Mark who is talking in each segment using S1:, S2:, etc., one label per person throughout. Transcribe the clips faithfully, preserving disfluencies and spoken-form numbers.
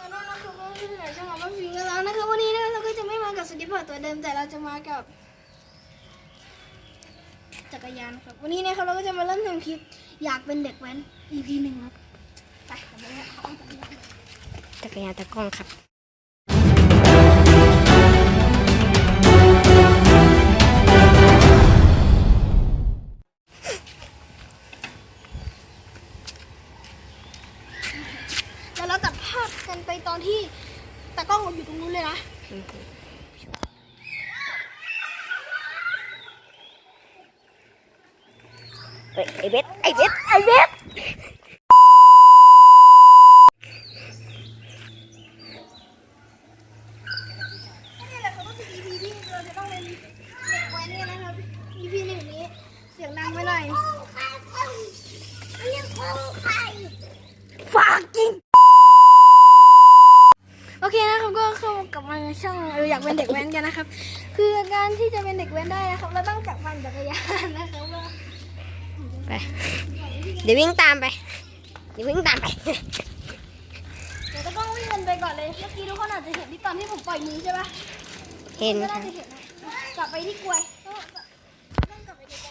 S1: อนั่นนะคะก็ที่ไหนจะมาบ้านฟิงกันแล้วนะคะวันนี้นะเราก็จะไม่มากับสติปเปอร์ตัวเดิมแต่เราจะมากับจักรยานครับวันนี้นะครับเราก็จะมาเริ่มทำคลิปอยากเป็นเด็กแว้น อี พี หนึ่งครับไปกันเลยเอาจักรยาน
S2: จักรยานตะกล้องครับ
S1: แล้วเราตัดภาพกันไปตอนที่ตากล้องอยู่ตรงนู้นเลยนะ
S2: เฮ้ยไอเบสไอเบสไอเบส
S1: นี่แหละครับก็คือ อี พี ที่เราจะต้องเป็นเด็กแว้นกันนะครับ อี พี หนึ่งนี้เสียงดังไปหน่อย
S2: ฝากกิน
S1: โอเคนะครับก็เข้ากลับมาช่องเราอยากเป็นเด็กแว้นกันนะครับคือการที่จะเป็นเด็กแว้นได้นะครับเราต้องจับมันจักรยานนะครับว่า
S2: ไปเดี๋ยววิ่งตามไปเดี๋ยววิ่งตามไป
S1: เดี๋ยวต้องวิ่งกันไปก่อนเลยเมื่อกี้ทุกคนอาจจะเห็นที่ตอนที่ผมปล่อยมือใช่ปะ
S2: เห็น
S1: ก็
S2: ค่ะ
S1: น่าจะเห็นนะกลับไปที่กลวยต้องกลับไปไก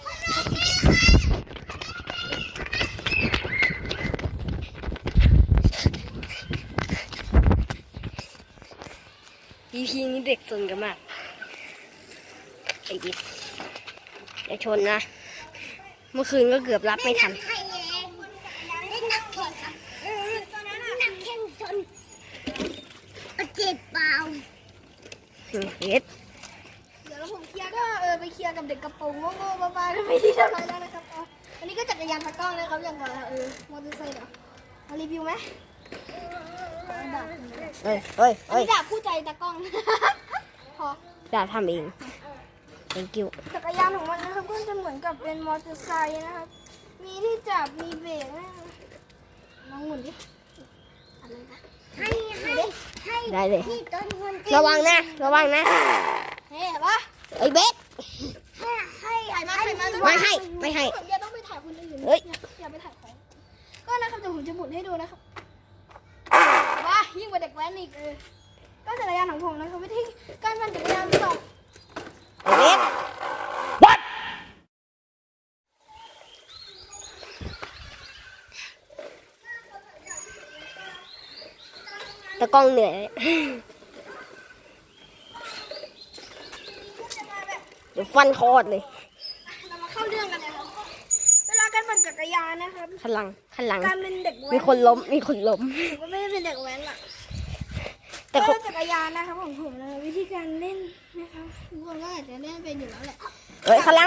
S1: ล
S2: อี พี นี้เด็กสนกันมากไอ้บิ๊กอย่าชนนะเมื่อคืนก็เกือบรับไม่ทัน
S1: เจ็บเปล่า
S2: เฮ็ด
S1: เดี๋ยวผมเคลียร์ก็เออไปเคลียร์กับเด็กกระโปรงโง่ๆบ้าๆไม่ดีเท่าไหร่แล้วนะครับอ๋ออันนี้ก็จักรยานตะกร้องนะครับอย่างกับเออมอเตอร์ไซค์เดี๋ยวมารีวิวไหมดาบ
S2: เฮ้ยเฮ้ย
S1: อันนี้ดาบคู่ใจตะกร้องพอ
S2: ดาบทำเอง thank you
S1: จักรยานของมันนะครับก็จะเหมือนกับเป็นมอเตอร์ไซค์นะครับมีที่จับมีเบรกนะลองหมุนดิอะไรนะให้ให้ให้
S2: ได้เลยระวังนะระวังนะ
S1: เฮ้ยปะ
S2: ไอ้เบส
S1: ให้ให้ถ่ายมาถ่ายมา
S2: ไม่ให้ไม่ให้
S1: อย่าต้องไปถ่ายคนอื่น
S2: เฮ้ย
S1: อย่าไปถ่ายของก็นะครับเดี๋ยวผมจะหมุนให้ดูนะครับว้ายิ่งกว่าเด็กแว้นอีกเออก็จักรยานของผมนะครับวิธีการปั่นจักรยานสอง
S2: ไอ้เบส what ตะกล้องเหนื่อยเดี๋ยวฟันคอดเลย
S1: เรามาเข้าเรื่องกันเลยครับเวลาการปั่นจักรยานนะครับ
S2: ขันหลังขันหลัง
S1: การเป็นเด็กแว้น
S2: มีคนล้มมีคนล้ม
S1: ผมก็ไม่ได้เป็นเด็กแว้นหรอก
S2: แต่
S1: ก็จักรยานนะครับของผมนะวิธีการเล่นนะครับทุกคนก็อาจจะเล่นเป็นอยู่แล้วแหละ
S2: เฮ้ยขันหลัง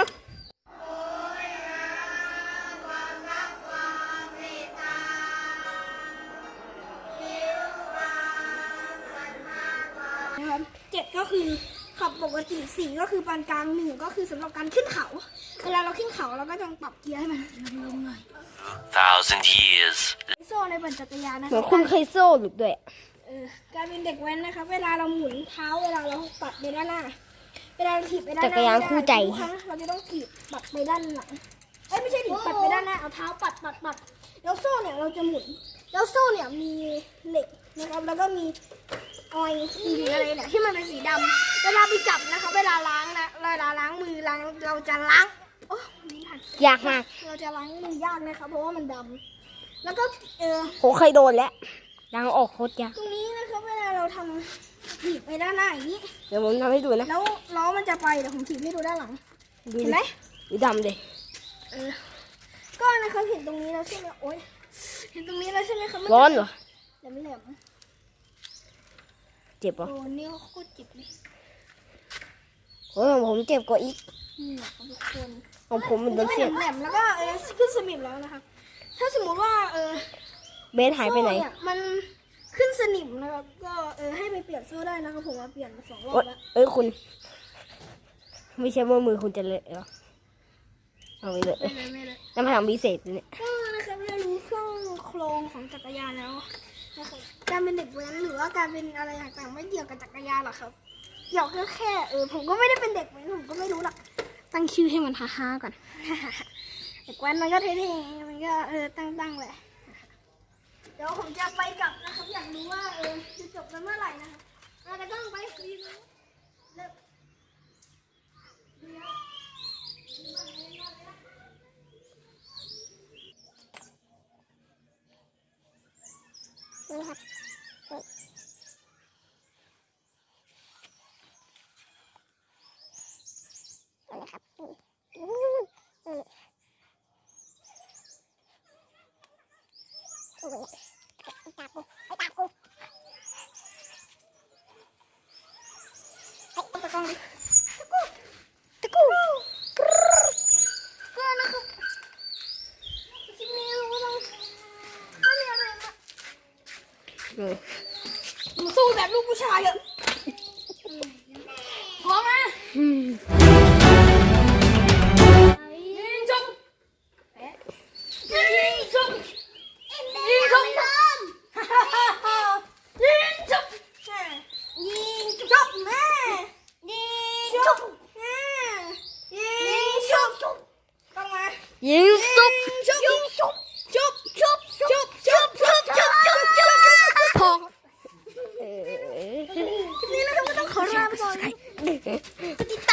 S1: นะครับเจ็ดก็คือขับปกติสี่ก็คือปานกลางหนึ่งก็คือสำหรับการขึ้นเขาเวลาเราขึ้นเขาเราก็ต้องปรับเกียร์ให้มันลงหน่อย
S3: thousand years
S1: โซ่ในปั่นจักรยานนะ
S2: เหมือนคุณเคยโซ่หลุดด้วย
S1: เออการเป็นเด็กแว้นนะคะเวลาเราหมุนเท้าเวลาเราปัดไปด้านหน้าเวลาเราถีบไปด้านหน้า
S2: จักรยานคู่ใจ
S1: เราจะต้องถีบปัดไปด้านหลังเอ้ยไม่ใช่ถีบปัดไปด้านหน้าเอาเท้าปัดปัดปัดแล้วโซ่เนี่ยเราจะหมุนแล้วโซ่เนี่ยมีเหล็กนะครับแล้วก็มีออยล์สีอะไรเนี่ยที่มันเป็นสีดำเวลาไปจับนะคะเวลาล้างนะเวลาล้างมือล้างเราจะล้างโอ้ไม่ทัน
S2: ยากมาก
S1: เราจะล้างมือยากนะคะเพราะว่ามันดำแล้วก็เออ
S2: ผมเคยโดนแล้วล้างออกโคตรยาก
S1: ตรงนี้นะคะเวลาเราทำถีบไปด้านหน้าอย่างนี้
S2: เดี๋ยวผมทำให้ดูนะ
S1: แล้วล้อมันจะไปเดี๋ยวผมถีบให้ดูด้านหลังเห็นไหม
S2: สีดำเลย
S1: เออก็นะคะเห็นตรงนี้แล้วใช่ไหมโอ๊ยเห็นตรงนี้แล้วใช่ไหมคะ
S2: ร้อนเหรอ
S1: แหลมแหลม
S2: เจ็บปะ
S1: โอ้นี่โคตรเจ็บเลย
S2: โอ้ยผมเจ็บกว่าอีก
S1: นี่แหละทุกคน
S2: ของผมมันโดนเสียบ
S1: แหลมแล้วก็เออขึ้นสนิมแล้วนะคะถ้าสมมติว่าเออ
S2: เบสหายไปไหน
S1: มันขึ้นสนิมนะครับก็เออให้ไปเปลี่ยนโซ่ได้นะครับผมมาเปลี่ยนมาสองรอบแล้ว
S2: เอ้ยคุณไม่ใช่ว่ามือคุณจะเละหรอเอาไปเลยน้ำพลังพิเศษเนี่ย
S1: ก็นะครับเรารู้เครื่องโครงของจักรยานแล้วนะครับการเป็นเด็กแว้นหรือว่าการเป็นอะไรต่างๆไม่เกี่ยวกับจักรยานหรอกครับเกี่ยวแค่แค่เออผมก็ไม่ได้เป็นเด็กแว้นผมก็ไม่รู้หรอกตั้งชื่อให้มันฮ่าๆก่อนเด็กแว้นมันก็เท่ๆมันก็เออตั้งๆแหละเดี๋ยวผมจะไปกลับนะครับอยากรู้ว่าเออจะตะกล้องไปยิงเร็วนี่ครับนี่ครับอืมอืมโอ้ยตากูไอ้ตากูไอ้ตะกล้องดิตะกูตะกูก็นะครับที่นี่เราก็ต้องไม่มีอะไรมา
S2: เออ
S1: มาสู้แบบลูกผู้ชายเถอะพร้อมนะ
S2: อืม
S1: ยิงจุ๊บยิงจุ๊บยิงจุ๊บฮ่าฮ่าฮ่าฮ่ายิงจุ๊บยิงจุ๊บแม่ยิงจุ๊บแม่ยิงจุ๊บต้องมา
S2: ยิงซุป
S1: ยิงจุ๊บจุ๊บจุ๊บจุ๊บจุ๊บจุ๊บจุ๊บจุ๊บจุ๊บจุ๊บ
S2: พอเออ
S1: นี่นะครับก็ต้องขอลาไปก่อนติด